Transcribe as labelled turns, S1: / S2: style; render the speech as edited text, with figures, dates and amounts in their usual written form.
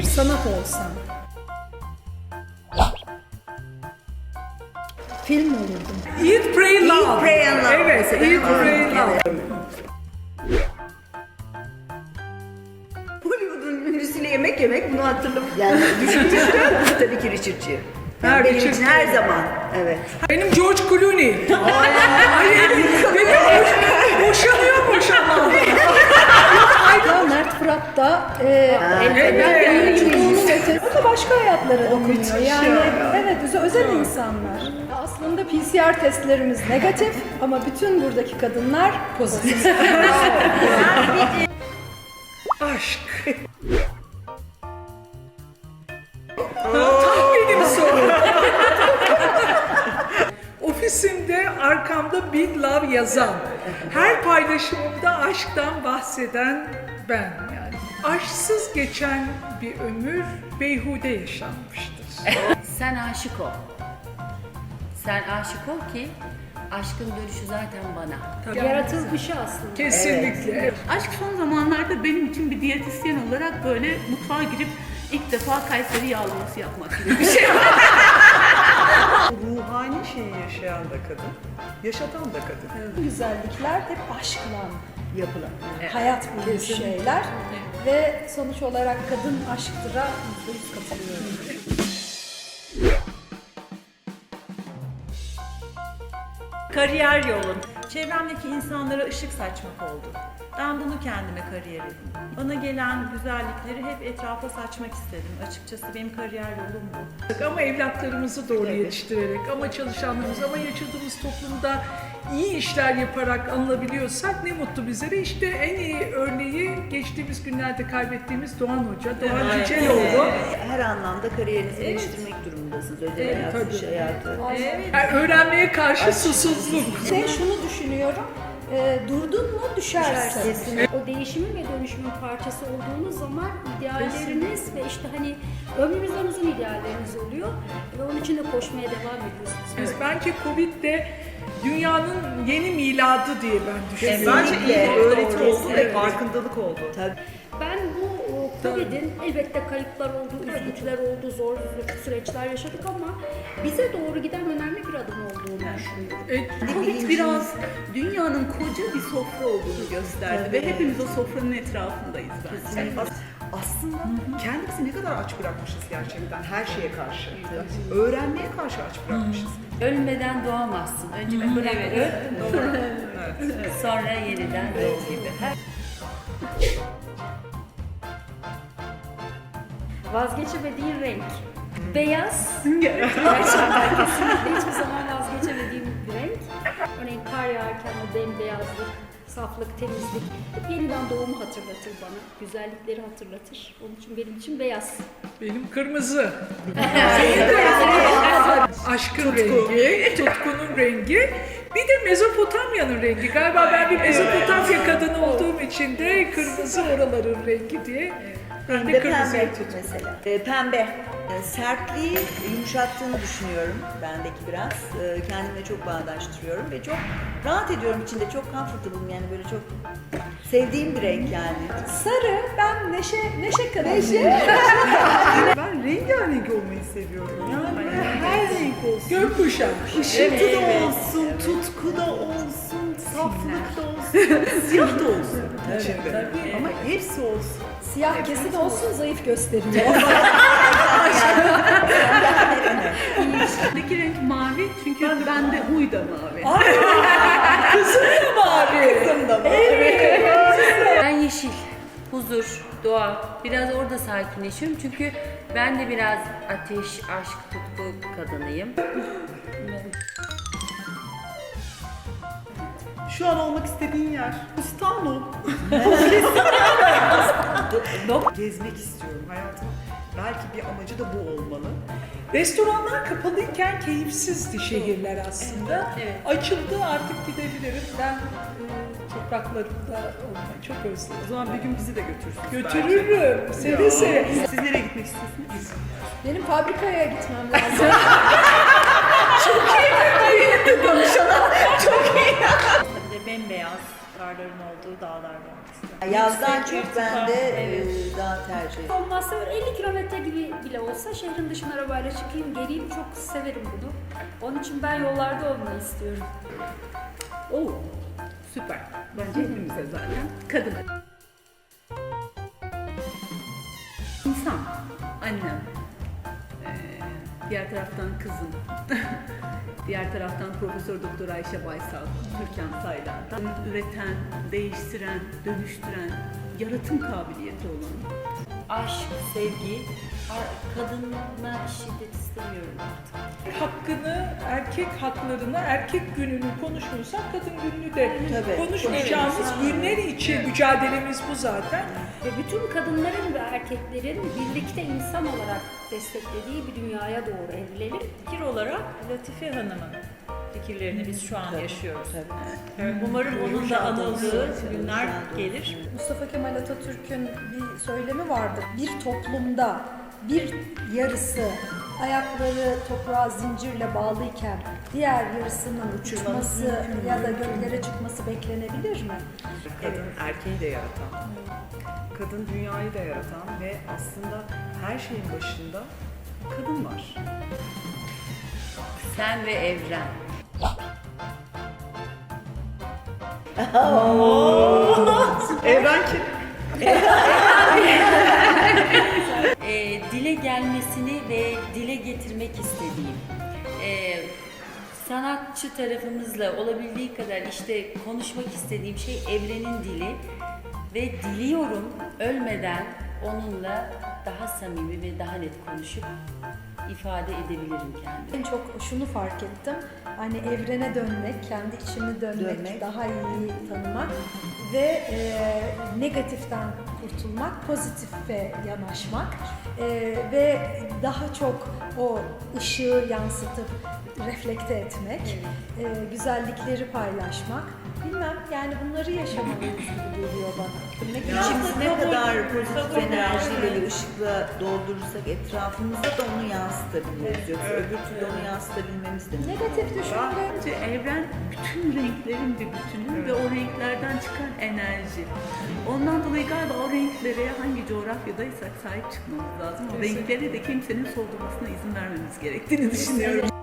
S1: bir sanat olsam. Film olurdum.
S2: Eat, Pray, Love.
S3: Eat, Pray and Love.
S2: Evet,
S3: mesela.
S2: Eat, Pray, Love.
S3: Hollywood'un ünlüsüyle yemek yemek bunu hatırlamak. Yani düşününce tabii ki Richard Gere.
S2: Ha,
S3: Benim
S2: Richard
S3: için
S2: Gere.
S3: her zaman. Evet.
S2: Benim George Clooney. Benim boşanıyor.
S1: Ya Mert Fırat da oyunculuğunun ötesi. O da başka hayatlara dokunuyor. Yani evet özel insanlar. Aslında PCR testlerimiz negatif ama bütün buradaki kadınlar pozitif.
S2: Aşk. Tam benim sorum. Ofisimde arkamda Big Love yazan, her paylaşımımda aşktan bahseden ben yani. Aşksız geçen bir ömür beyhude yaşanmıştır.
S4: Sen aşık ol. Sen aşık ol ki aşkın dönüşü zaten bana.
S1: Yaratılmışı aslında.
S2: Kesinlikle.
S5: Aşk son zamanlarda benim için bir diyetisyen olarak böyle mutfağa girip ilk defa Kayseri yağlaması yapmak gibi bir şey.
S6: Ruhani şeyi yaşayan da kadın, yaşatan da kadın.
S1: Bu güzellikler hep aşkla yapılan, hayat bulmuş şeyler ve sonuç olarak kadın aşktıra %100 katılıyorum.
S7: Kariyer yolum. Çevremdeki insanlara ışık saçmak oldu. Ben bunu kendime kariyer edindim. Bana gelen güzellikleri hep etrafa saçmak istedim. Açıkçası benim kariyer yolum bu.
S2: Ama evlatlarımızı doğru yetiştirerek, ama çalışanlarımız, ama yaşadığımız toplumda iyi işler yaparak anılabiliyorsak ne mutlu bize de. İşte en iyi örneği geçtiğimiz günlerde kaybettiğimiz Doğan Hoca, Doğan Cüceloğlu.
S3: Her anlamda kariyerinizi geliştirmek durumundasınız. Özel hayatı, iş hayatı.
S2: Yani öğrenmeye karşı susuzluk.
S1: Şunu düşünüyorum, durdun mu düşersin.
S8: O değişimin ve dönüşümün parçası olduğunuz zaman idealleriniz ve işte hani ömrünüzden uzun idealleriniz oluyor ve onun için de koşmaya devam ediyorsunuz.
S2: Biz bence Covid de dünyanın yeni miladı diye ben düşünüyorum.
S6: Bence iyi bir öğreti oldu ve farkındalık oldu.
S8: Ben bu Covid'in elbette kayıplar oldu, üzüntüler oldu, zor süreçler yaşadık ama bize doğru giden önemli bir adım olduğunu düşünüyorum.
S5: Covid biraz dünyanın koca bir sofra olduğunu gösterdi ve hepimiz o sofranın etrafındayız bence.
S6: Aslında kendimizi ne kadar aç bırakmışız gerçekten her şeye karşı. Öğrenmeye karşı aç bırakmışız.
S4: Ölmeden doğamazsın. Önce bir bırak öl, sonra yeniden doğ gibi.
S8: Vazgeçemediğin renk. Beyaz. Gerçekten kesinlikle hiçbir zaman vazgeçemediğim bir renk. Örneğin kar yağarken o bembeyazlık, saflık, temizlik hep yeniden doğumu hatırlatır bana. Güzellikleri hatırlatır. Onun için benim için beyaz.
S2: Benim kırmızı. Aşkın rengi, tutkunun rengi. Bir de Mezopotamya'nın rengi. Galiba ben bir Mezopotamya kadını olduğum için de kırmızı oraların rengi diye. Ben de
S3: Pembe
S2: kırmızıyı tuttum.
S3: mesela. Pembe. Sertliği yumuşattığını düşünüyorum bendeki biraz. Kendimle çok bağdaştırıyorum ve çok rahat ediyorum içinde. Çok comfortable'ım yani böyle çok sevdiğim bir renk yani.
S1: Sarı, ben neşe kadar.
S6: Ben rengarenk olmayı seviyorum. Yani böyle her renk olsun.
S2: Gökkuşağı.
S6: Işıltı da olsun, tutku da olsun, saflık da olsun, siyah da olsun içinde. Ama hepsi olsun.
S1: Siyah kesin olsun, zayıf gösteriyor.
S5: İçindeki renk mavi çünkü bende huy da mavi.
S4: Ben yeşil, huzur, doğa. Biraz orada sakinleşiyorum çünkü ben de biraz ateş, aşk, tutku kadınıyım.
S6: Şu an olmak istediğin yer İstanbul. Gezmek istiyorum hayatım. Belki bir amacı da bu olmalı.
S2: Restoranlar kapalıyken keyifsizdi şehirler aslında. Açıldı, artık gidebilirim. Ben topraklarımda olmayı çok özledim.
S6: O zaman bir gün bizi de götürsünüz.
S2: Götürürüm, seve seve.
S6: Siz nereye gitmek istiyorsunuz?
S1: Benim fabrikaya gitmem lazım.
S7: Bir de bembeyaz karların olduğu dağlarda olmak istiyorum.
S3: Yazdan
S7: yüksek
S3: çok ben
S7: irtifa,
S3: de
S7: evet.
S3: daha tercih ediyorum.
S8: Olmazsa böyle 50 kilometre gibi bile olsa şehrin dışına arabayla çıkayım geleyim, çok severim bunu. Onun için ben yollarda olmayı istiyorum.
S5: Oo, süper. Bence hepimize zaten. Kadın. İnsan, annem, diğer taraftan kızım, diğer taraftan Profesör Doktor Ayşe Baysal, Türkan Saylan, üreten, değiştiren, dönüştüren, yaratım kabiliyeti olan.
S4: Aşk, sevgi, kadına şiddet istemiyorum artık.
S2: Hakkını, erkek haklarını, erkek gününü konuşmuyorsak kadın gününü de
S3: Tabii.
S2: konuşmayacağımız günler için mücadelemiz bu zaten.
S8: Ve bütün kadınların ve erkeklerin birlikte insan olarak desteklediği bir dünyaya doğru evrilelim.
S7: Fikir olarak Latife Hanım'ın fikirlerini biz şu an yaşıyoruz.
S3: Tabii.
S7: Evet, umarım onun da anıldığı günler gelir.
S1: Mustafa Kemal Atatürk'ün bir söylemi vardır. Bir toplumda bir yarısı ayakları toprağa zincirle bağlıyken diğer yarısının uçması ya da göklere çıkması beklenebilir mi?
S6: Kadın erkeği de yaratan, kadın dünyayı da yaratan ve aslında her şeyin başında kadın var.
S4: Sen ve evren.
S6: Evren kim?
S4: Dile gelmesini ve dile getirmek istediğim, sanatçı tarafımızla olabildiği kadar işte konuşmak istediğim şey evrenin dili ve diliyorum ölmeden onunla daha samimi ve daha net konuşup ifade edebilirim kendimi.
S1: En çok şunu fark ettim. Hani evrene dönmek, kendi içimi dönmek, daha iyi tanımak ve negatiften kurtulmak, pozitife yanaşmak ve daha çok o ışığı yansıtıp reflekte etmek, güzellikleri paylaşmak. Bilmem yani bunları yaşamalıyız gibi geliyor bana.
S3: İçimizi ne kadar pozitif enerjiyle ve ışıkla doldurursak etrafımızda da onu yansıtabiliriz. Yoksa öbür türlü onu yansıtabilmemiz de mümkün.
S1: Negatif düşünce
S5: Bence evren bütün renklerin bir bütünü ve o renklerden çıkan enerji. Ondan dolayı galiba o renklere hangi coğrafyadaysak sahip çıkmamız lazım. O renklere de kimsenin soldurmasına izin vermemiz gerektiğini düşünüyorum.